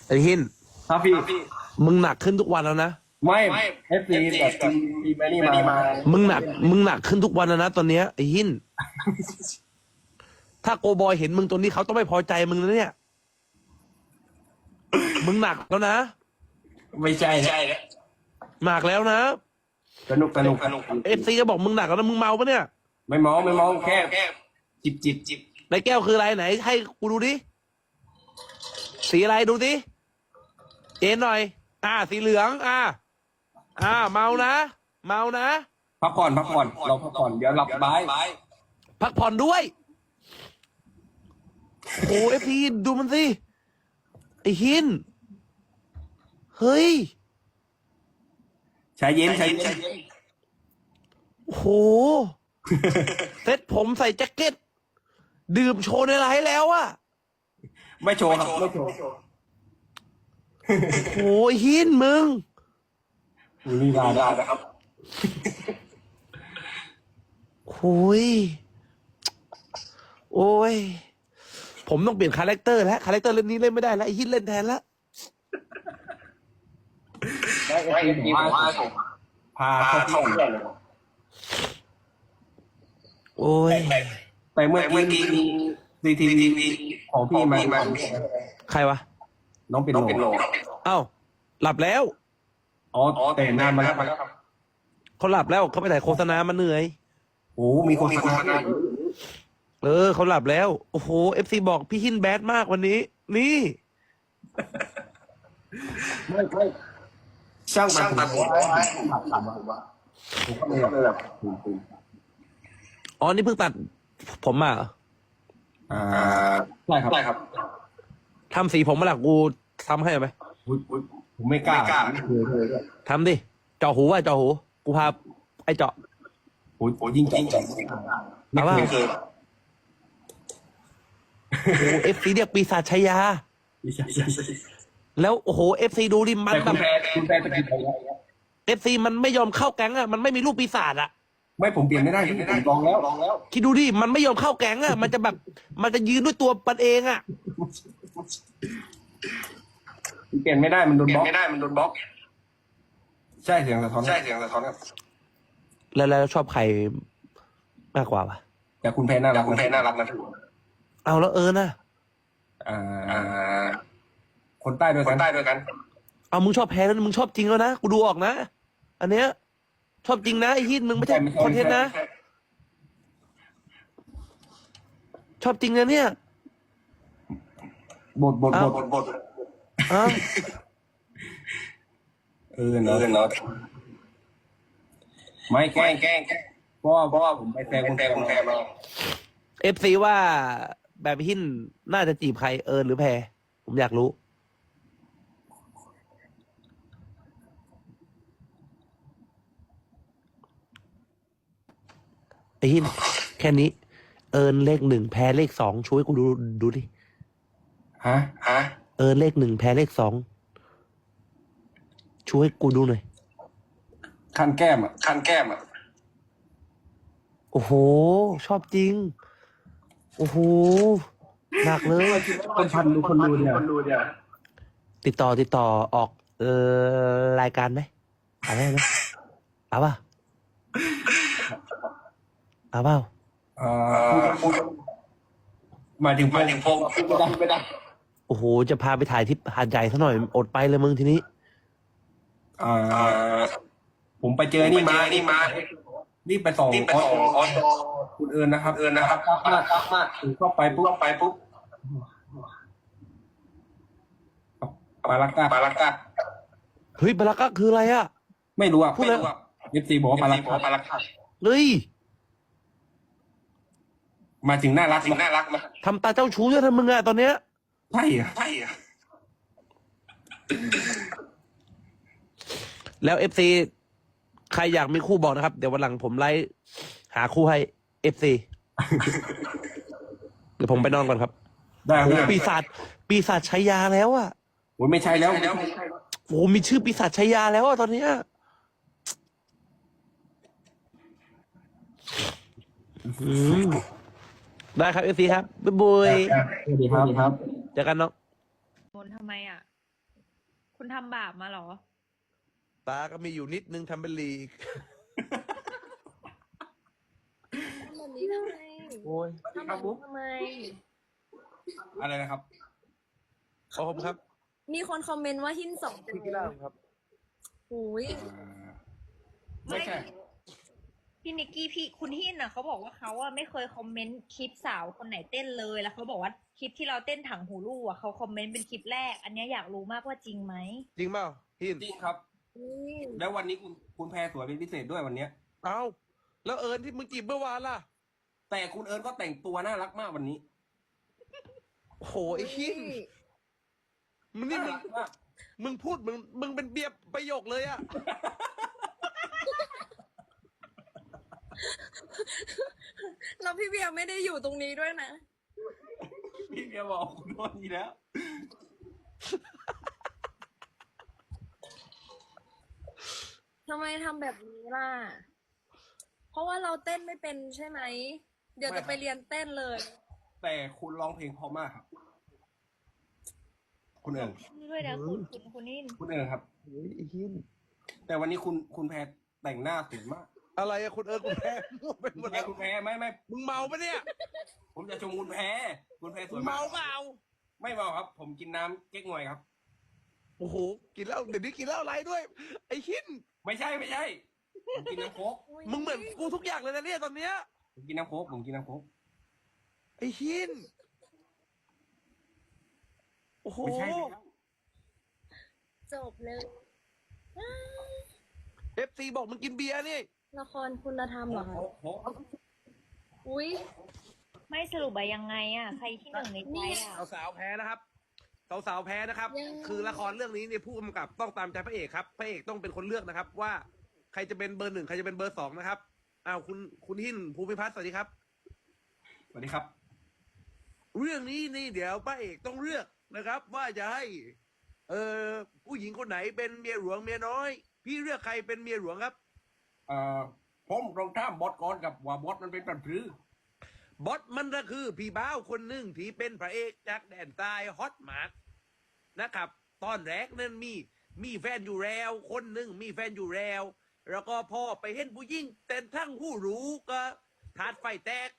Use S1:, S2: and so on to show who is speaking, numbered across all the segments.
S1: ไอ้หิน
S2: ครับพี่
S1: มึงหนักขึ้นทุกวันแล้วนะ
S2: ไม่เอฟซีแบบทีมนี่มา
S1: มึงหนักขึ้นทุกวันแล้วนะตอนเนี้ยไอ้หินถ้าโกบอยเห็นมึงตัวนี้เขาต้องไม่พอใจมึงนะเนี่ยมึงหนักแล้วนะ
S2: ไม่ใช่
S1: หนักแล้วนะ
S2: สนุก
S1: เอฟซีก็บอกมึงหนักแล้วนะมึงเมาปะเนี่ย
S2: ไม่มองแค่จิบ
S1: ในแก้วคืออะไรไหนให้กูดูดิสีอะไรดูดิเอ็นหน่อยสีเหลืองเมานะ
S2: พักผ่อนเราพักผ่อนเดี๋ยวหลับบ่าย
S1: พักผ่อนด้วยโอ้เอฟซีดูมันสิไอ้หินเฮ้ย
S2: ใช้เย็น
S1: โอ้โหเซ็ตผมใส่แจ็คเก็ตดื่มโชว์ในไลฟ์แล้วอะ
S2: ไม่โชว์ครับไม่โชว์
S1: โอ้ยหินมึง
S2: นี่ได้นะครับ
S1: โอ้ยผมต้องเปลี่ยนคาแรคเตอร์แล้วคาแรคเตอร์เล่นนี้เล่นไม่ได้แล้วไอ้หินเล่นแทนแล้ว
S2: ได้เอฟซีบอกว่าพาเข้าที่
S1: โอ้ย
S2: แต่เมื่อกี้ซีทีวีของพี่มา
S1: ใครวะ
S2: น้องเป็นโล
S1: เอ้าหลับแล้ว
S2: อ๋อแต่นานมาแล้วครับ
S1: เขาหลับแล้วเขาไปถ่ายโฆษณามาเหนื่อย
S2: โอ้มีโฆษณา
S1: เขาหลับแล้วโอ้โหเอฟซีบอกพี่หินแบดมากวันนี้นี่
S2: ไม่ช่างตัดผมผมก็เลยแบบ
S1: อ๋อนี่เพิ่งตัดผมมา
S2: ใช่ครับ
S1: ทำสีผมมาหลักกูทำให้ไหม
S2: ผมไม่กล้า
S1: ทำดิเจาะหูกูพาไอ้เจาะ
S2: โอ้ยิ่งไม่เคย
S1: โอ้เอฟซีเรียกปีศาจชายาแล้วโอ้โหเอฟซีดูดิมันแบบเอฟซีมันไม่ยอมเข้าแก๊งมันไม่มีรูปปีศาจ
S2: ไม่ผมเปลี่ยนไม่ได้ผมลองแล้ว
S1: คิดดูดิมันไม่ยอมเข้าแก๊งมันจะแบบมันจะยืนด้วยตัวมันเอง
S2: เปลี่ยนไม่ได้มันโดนบล็อกใช่เสียงสะท้อนครับ
S1: แล้วชอบใครมากกว่าวะ
S2: แต่คุณแพ้น่ารักนะถูก
S1: เอาแล้วนะ
S2: คนใต้ด้วยกัน
S1: เอามึงชอบแพ้แล้วมึงชอบจริงแล้วนะกูดูออกนะอันเนี้ยชอบจริงนะไอ้ฮิตมึงไม่ใช่คอนเทนต์นะชอบจริงนะเนี่ย
S2: บทเนาะไม่แกล้งเพราะว่าผมไปแซงคุณแพรมา
S1: เอฟซีว่าแบบหินน่าจะจีบใครหรือแพรผมอยากรู้ไอ้หินแค่นี้เลข 1แพรเลข 2ช่วยกูดูดิ
S2: ฮะ
S1: เลข 1แพรเลข 2ช่วยกูดูหน่อย
S2: คันแก้ม
S1: โอ้โหชอบจริงโอ้โหหนักเลย
S2: คนดูเนี่ย
S1: ติดต่อออกรายการไหมอะไรไหมเอาเปล่า
S2: หมายถึงพงไม่ได้
S1: โอ้โหจะพาไปถ่ายที่หาดใหญ่ซะหน่อยอดไปเลยมึงทีนี้
S2: ผมไปเจอนี่มานี่ไปส่งคุณเอิญนะครับมากถึงเข้าไปปุ๊บปาลักกา
S1: เฮ้ยปาลักกาคืออะไร
S2: ไม่รู้พูดเลยเอฟซีบอกว่าปาลักกา
S1: เฮ้ย
S2: มาถึงน่ารักมา
S1: ทำตาเจ้าชู้จะทำมึงตอนเนี้ย
S2: ใช่
S1: แล้วเอฟซีใครอยากมีคู่บอกนะครับเดี๋ยววันหลังผมไล่หาคู่ให้เอฟซีเดี๋ยวผมไปนอนก่อนครับ
S2: ได้
S1: โอ้ปีศาจชัยยาแล้ว
S2: โอ้ไม่ใช่แล้ว
S1: โอ้มีชื่อปีศาจชัยยาแล้วตอนเนี้ยได้ครับเอฟซีครับบ๊ายบาย
S2: สวัสดีครับ
S1: เจอกันน้อง
S3: บนทำไมคุณทำบาปมาเหรอ
S1: ตาก็มีอยู่นิดนึงทำเป็นลีก
S4: ทำแบบนี้ทำไม
S1: โอ้ย
S4: ทำแบบนี้ทำไม
S2: อะไรนะครับ
S1: ขอบคุณครับ
S4: มีคนคอมเมนต์ว่าหินสองใจ
S1: พี่กีฬาครับ
S4: โอ้ย
S2: ไม่ใช่
S3: พี่นิกกี้คุณหินน่ะเขาบอกว่าเขาอะไม่เคยคอมเมนต์คลิปสาวคนไหนเต้นเลยแล้วเขาบอกว่าคลิปที่เราเต้นถังหูรูอะเขาคอมเมนต์เป็นคลิปแรก อันเนี้ยอยากรู้มากว่าจริงไหม
S1: จริงเปล่าหิน
S2: จริงครับ
S4: นี่
S2: แล้ววันนี้คุณแพรสวยเป็นพิเศษด้วยวันเนี้ย
S1: เอาแล้วเอิญที่มึงจีบเมื่อวานล่ะ
S2: แต่คุณเอิญก็แต่งตัวน่ารักมากวันนี้
S1: โอ้โหไอ้หินมึงนี่
S2: น่ารักมาก
S1: มึงพูดมึงเป็นเบียร์ประโยคเลยอะ
S4: แล้วพี่เบียร์ไม่ได้อยู่ตรงนี้ด้วยนะ
S2: พี่เบียร์บอกคุณโดนอีกแล้ว
S4: ทำไมทำแบบนี้ล่ะ เพราะว่าเราเต้นไม่เป็นใช่ไหม เดี๋ยวจะไปเรียนเต้นเลย
S2: แต่คุณร้องเพลงเพราะมากครับ คุณเอิญ
S3: ด้วยนะคุณหิน
S2: คุณเอิญครับ
S1: โอ้ยไอ้หิน
S2: แต่วันนี้คุณแพรแต่งหน้าสวยมาก
S1: อะไรอะคุณเอิญคุณแพ้มั่วไปหมดแล้ว
S2: คุณแพรไม่
S1: มึงเมาปะเนี่ย
S2: ผมจะชมคุณแพรคุณแพรส
S1: มึ
S2: วย
S1: ง
S2: มาก
S1: เมาเปล่า
S2: ไม่เมาครับ ผมกินน้ำเก๊กงวยครับ
S1: โอ้โหกินแล้วเดี๋ยวนี้กินแล้วอะไรด้วย ไอ้หิน
S2: ไม่ใช่ผมกินน้ำโค้ก
S1: มึงเหมือนกูทุกอย่างเลยนะเนี่ยตอนเนี้ย
S2: ผมกินน้ำโค้ก
S1: ไอ้หินโอ้โห
S2: ไม่ใช่
S4: จบเลย
S1: FC บอกมึงกินเบียร์นี่
S4: ละครคุณธรรมเหรอคะ
S2: โค้ก
S4: อุ้ย
S3: ไม่สรุปอะยังไงอะใครที่หนึ่งในใจอะ
S1: สาวๆแพ้นะครับสาวๆแพ้นะครับ คือละครเรื่องนี้เนี่ยผู้กำกับต้องตามใจพระเอกครับพระเอกต้องเป็นคนเลือกนะครับ ว่าใครจะเป็นเบอร์ 1ใครจะเป็นเบอร์ 2นะครับอ้าวคุณหินภูมิพัฒน์สวัสดีครับ
S2: สวัสดีครับ
S1: เรื่องนี้นี่เดี๋ยวพระเอกต้องเลือกนะครับ ว่าจะให้ ผู้หญิงคนไหนเป็นเมียหลวงเมียน้อย พี่เลือกใครเป็นเมียหลวงครับ
S2: ผมรองท่ามบอสก่อนกับว่าบอสมันเป็นปันพรือ
S1: บอสมันก็คือพี่บ้าวคนหนึ่งที่เป็นพระเอกจากแดนใต้ฮอตมากนะครับ ตอนแรกนั้นมีแฟนอยู่แล้วคนหนึ่งมีแฟนอยู่แล้วแล้วก็พอไปเห็นผู้หญิงแต่ทั้งผู้รู้ก็ถาดไฟแตก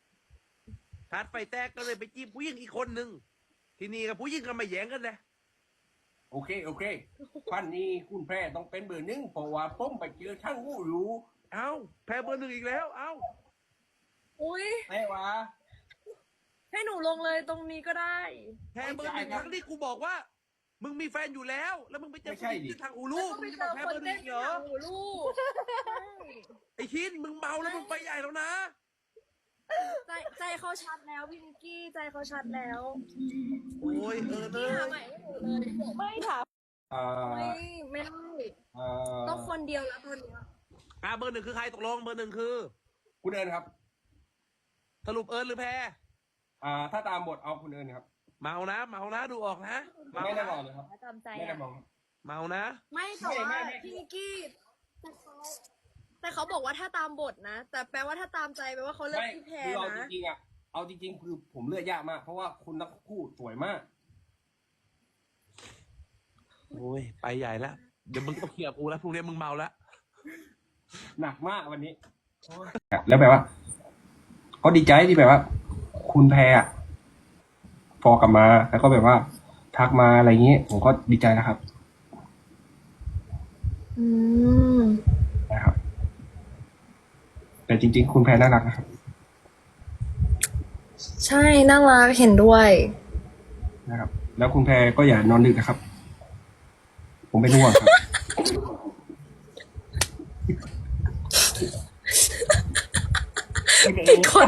S1: ก็เลยไปจีบผู้หญิงอีกคนหนึ่งทีนี้กับผู้หญิงก็มาแย่งกันเลย
S2: โอเคพันนี้คุณแพรต้องเป็นเบอร์ 1เพราะว่าผมไปเจอช่างหูรู้
S1: เอ้าแพ้เบอร์ 1อีกแล้วเอ้า
S4: อุ้ย
S2: แต่ว่า
S4: ให้หนูลงเลยตรงนี้ก็ได้
S1: แพ้เบอร์ 1ทั้งที่กูบอกว่า มึงมีแฟนอยู่แล้ว แล้วมึงไปเจอผู้หญิงที่ทางอู
S4: แล้
S1: รู
S4: วก็
S1: มึ
S4: ไป
S1: งจะ
S4: เจ
S1: มา
S4: อ
S1: แพ้
S4: ค
S1: เบอน ร์
S4: เต้น
S1: 1เหรอ
S4: หนังหูลูก
S1: ไอ้คินมึงเมาแล้วมึงไปใหญ่แล้วนะ
S4: ใจเขาชัดแล้วพี่นิกกี้ใจเขาชัดแล้ว
S1: โอ้ยเออเน
S4: พี่
S1: อะ
S4: หาใหม่ให้หนูเลย
S3: ไม่ถาม
S4: ไม่ได้ต้องคนเดียวแล้วตอนเนี้ย
S1: เบอร์ 1คือใครตกลงเบอร์ 1คือ
S2: คุณเอิญครับ
S1: สรุปเอิญหรือแพ้
S2: ถ้าตามบทเอาคุณเอิญครับ
S1: เมานะดูออกนะเมา
S2: ไม่ได้
S1: นะ
S2: บอกเลยครับ
S3: ตามใจ
S2: ไม่ได้
S3: อะ
S2: บอก
S1: เมานะ
S4: ไม่แต่ว่าพี่นิกกี้แต่เขาบอกว่าถ้าตามบทนะ แต่แปลว่าถ้าตามใจแปลว่าเขาเลือก
S2: ไม่
S4: พี่แพร
S2: คือเอาจ
S4: นะ
S2: ริงๆเอาจริงๆคือผมเลือกยากมาก เพราะว่าคุณทั้งคู่สวยมาก
S1: โอ้ยไปใหญ่แล้วเดี๋ยวมึงต้องเคลียร์กูแล้วพรุ่งนี้มึงเมาแล้ว
S2: หนักมากวันนี้ แล้วแบบว่าเขาดีใจที่แบบว่า คุณแพรฟอกลับมา แล้วก็แบบว่า ทักมาอะไรอย่างนี้ ผมก็ดีใจนะครับ
S4: อืม
S2: นะครับ แต่จริงๆ คุณแพรน่ารักนะครับ
S4: ใช่น่ารักเห็นด้วย
S2: นะครับ แล้วคุณแพรก็อย่านอนดึกนะครับ ผมเป็นห่วงครับ
S4: เป็นคน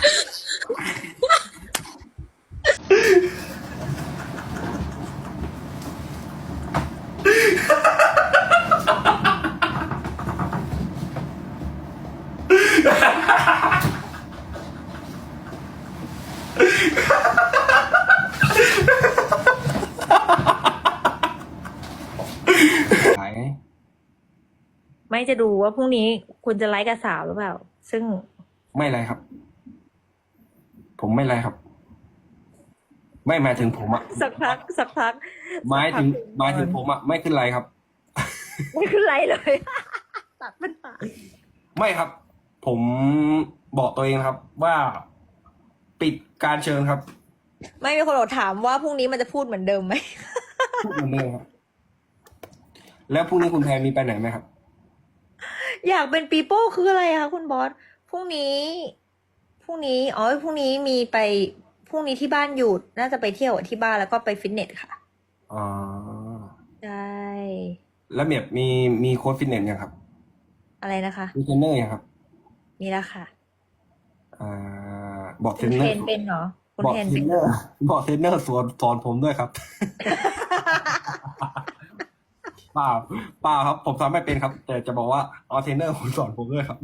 S2: ขาย
S3: ไม่จะดูว่าพรุ่งนี้คุณจะไลฟ์กับสาวหรือเปล่า ซึ่ง
S2: ไม่ไรครับ ผมไม่ไรครับไม่หมายถึงผมอะ
S3: สักพัก
S2: หมายถึงผมอะไม่ขึ้นไรครับ
S3: ไม่ขึ้นไรเลย ตัดมันปาก
S2: ไม่ครับ ผมบอกตัวเองครับ ว่าปิดการเชิญครับ
S3: ไม่มีคนบอกถามว่าพรุ่งนี้มันจะพูดเหมือนเดิมไหม
S2: พูดเหมือนเดิมครับ แล้วพรุ่งนี้คุณแพรมีไปไหนไหมครับ
S3: อยากเป็นปีโป้คืออะไรคะคุณบอสพรุ่งนี้พรุ่งนี้มีไปพรุ่งนี้ที่บ้านหยุดน่าจะไปเที่ยวที่บ้านแล้วก็ไปฟิตเนสค่ะ
S2: อ๋อ
S3: ใช่
S2: แล้วแบบมีโค้ชฟิตเนสยังครับ
S3: อะไรนะคะ
S2: มีเทรนเนอร์ยังครับ
S3: มีแล้วค่ะ
S2: บอกเท
S3: คุ
S2: ร
S3: ณ
S2: นเน
S3: เท
S2: อ
S3: ร
S2: ร์
S3: นเป็นเหรอคุณ
S2: บอก
S3: เทรน
S2: เทร
S3: เป็น
S2: นเนอร์บอกเทรนเนอร์สอนผมด้วยครับ เปล่าครับ ผมทำไม่เป็นครับ แต่จะบอกว่าเอาเทรนเนอร์คุณสอนผมด้วยครับ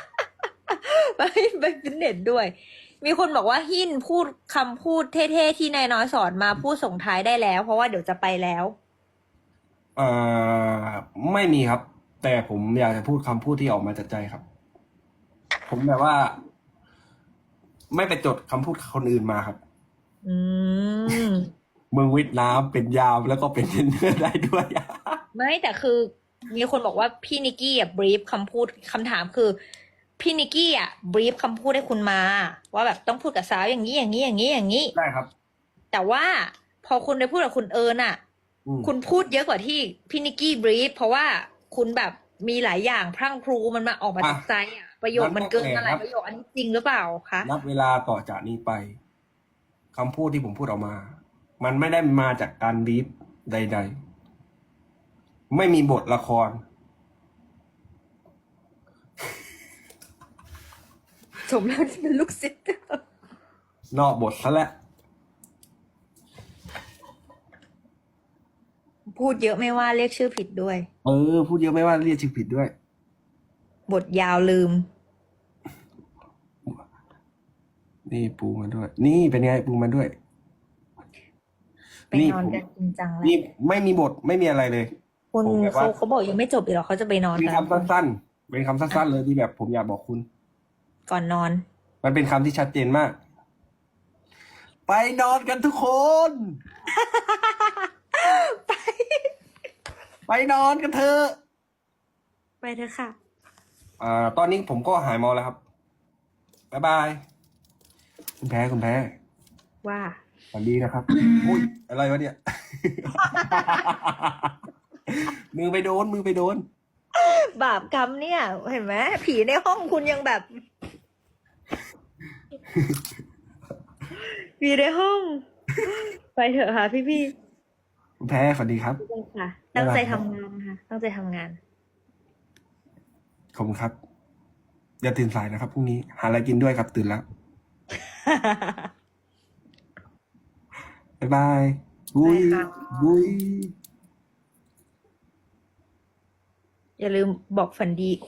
S3: ไปฟิตเนสด้วย มีคนบอกว่าหินพูดคำพูดเท่ๆที่นายน้อยสอนมาพูดส่งท้ายได้แล้ว เพราะว่าเดี๋ยวจะไปแล้ว
S2: ไม่มีครับ แต่ผมอยากจะพูดคำพูดที่ออกมาจากใจครับ ผมแบบว่า ไม่ไปจดคำพูดคนอื่นมาครับ
S3: อืม
S2: เมืองเวียดนามเป็นยามแล้วก็เป็นเทรนเนอร์ได้ด้วย
S3: ไม่แต่คือมีคนบอกว่าพี่นิกกี้อ่ะบรีฟคำพูดคำถามคือ พี่นิกกี้อ่ะบรีฟคำพูดให้คุณมา ว่าแบบต้องพูดกับสาวอย่างนี้อย่างนี้อย่างนี้อย่างนี้
S2: ได้ครับ
S3: แต่ว่าพอคุณไปพูดกับคุณเอิญอ่ะ
S2: อืม
S3: คุณพูดเยอะกว่าที่พี่นิกกี้บรีฟเพราะว่าคุณแบบมีหลายอย่างพรั่งพรูมันมาออกมาจากใจอ่ะประโยคมันเกินมาหลายประโยคอันนี้จริงหรือเปล่าคะ
S2: นับเวลาต่อจากนี้ไปคำพูดที่ผมพูดออกมา มันไม่ได้มาจากการบีบใด ๆ ไม่มีบทละคร
S3: สมแล้วที่เป็นลูกศิษย์
S2: นอกบทซะแล้ว
S3: พูดเยอะไม่ว่าเรียกชื่อผิดด้วย
S2: พูดเยอะไม่ว่าเรียกชื่อผิดด้วย
S3: บทยาวลืม
S2: นี่ปูมาด้วย นี่เป็นไงปูมาด้วย
S3: ไปนอนกันจริงจังแล้ว
S2: นี่ไม่มีบทไม่มีอะไรเลย
S3: คุณ
S2: ผมแบบว่า
S3: เขาบอกยังไม่จบอีกหรอเขาจะไปนอน
S2: เป็น
S3: กัน
S2: คำสั้นๆเป็นคำสั้นๆเลยที่แบบผมอยากบอกคุณ
S3: ก่อนนอน
S2: มันเป็นคำที่ชัดเจนมาก ไปนอนกันทุกคน ไปนอนกันเถอะ
S3: ไปเถอะค่ะ
S2: ตอนนี้ผมก็หายเมาแล้วครับ บ๊ายบาย คุณแพ้
S3: ว่า
S2: สวัสดีนะครับ อุ้ย อะไรวะเนี่ย มือไปโดน
S3: บาปกรรมเนี่ย เห็นไหมผีในห้องคุณยังแบบ ผีในห้อง ไปเถอะค่ะพี่
S2: คุณแพ้สวัสดีครับ
S3: ๆค่ะ ตั้งใจทำงานนะคะตั้งใจทำงาน
S2: ขอบคุณครับ อย่าตื่นสายนะครับพรุ่งนี้หาอะไรกินด้วยครับ ตื่นแล้ว บ๊ายบายบุย
S3: บ๊ายบาย
S2: บุย
S3: อย่าลืมบอกฝันดี